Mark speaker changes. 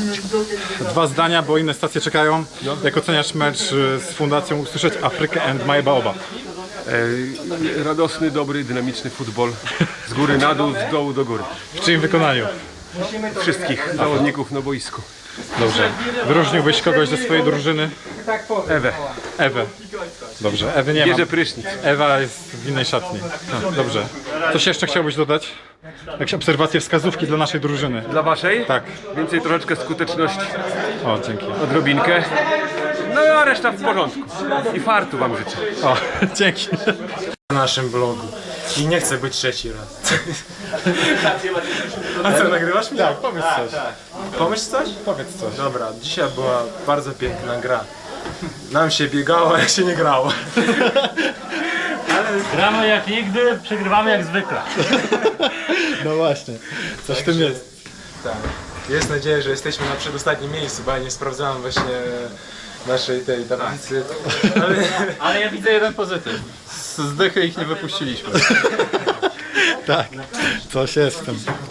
Speaker 1: Dwa zdania, bo inne stacje czekają. Jak oceniasz mecz z Fundacją Usłyszeć Afrykę and My Baobab?
Speaker 2: Radosny, dobry, dynamiczny futbol. Z góry na dół, z dołu do góry.
Speaker 1: W czyim wykonaniu?
Speaker 2: Wszystkich zawodników na boisku.
Speaker 1: Dobrze. Wyróżniłbyś kogoś ze swojej drużyny?
Speaker 2: Ewę.
Speaker 1: Ewę. Dobrze, Ewy nie ma.
Speaker 2: Bierze prysznic.
Speaker 1: Ewa jest w innej szatni. Dobrze. Coś jeszcze chciałbyś dodać? Jakieś obserwacje, wskazówki dla naszej drużyny?
Speaker 2: Dla waszej?
Speaker 1: Tak.
Speaker 2: Więcej troszeczkę skuteczności.
Speaker 1: O, dzięki.
Speaker 2: Odrobinkę. No a reszta w porządku. I fartu wam życzę.
Speaker 1: O, dzięki.
Speaker 3: Na naszym blogu. I nie chcę być trzeci raz. A co, nagrywasz mnie?
Speaker 1: Tak, powiedz coś.
Speaker 3: Pomyśl coś?
Speaker 1: Powiedz coś.
Speaker 3: Dobra, dzisiaj była bardzo piękna gra. Nam się biegało, ale się nie grało.
Speaker 4: Gramy jak nigdy, przegrywamy jak zwykle.
Speaker 1: No właśnie, coś w tym jest.
Speaker 3: Tak. Jest nadzieja, że jesteśmy na przedostatnim miejscu, bo ja nie sprawdzałem właśnie naszej tej tablicy.
Speaker 4: Ale ja widzę jeden pozytyw. Z dychy ich nie wypuściliśmy.
Speaker 1: Tak, coś jest w tym.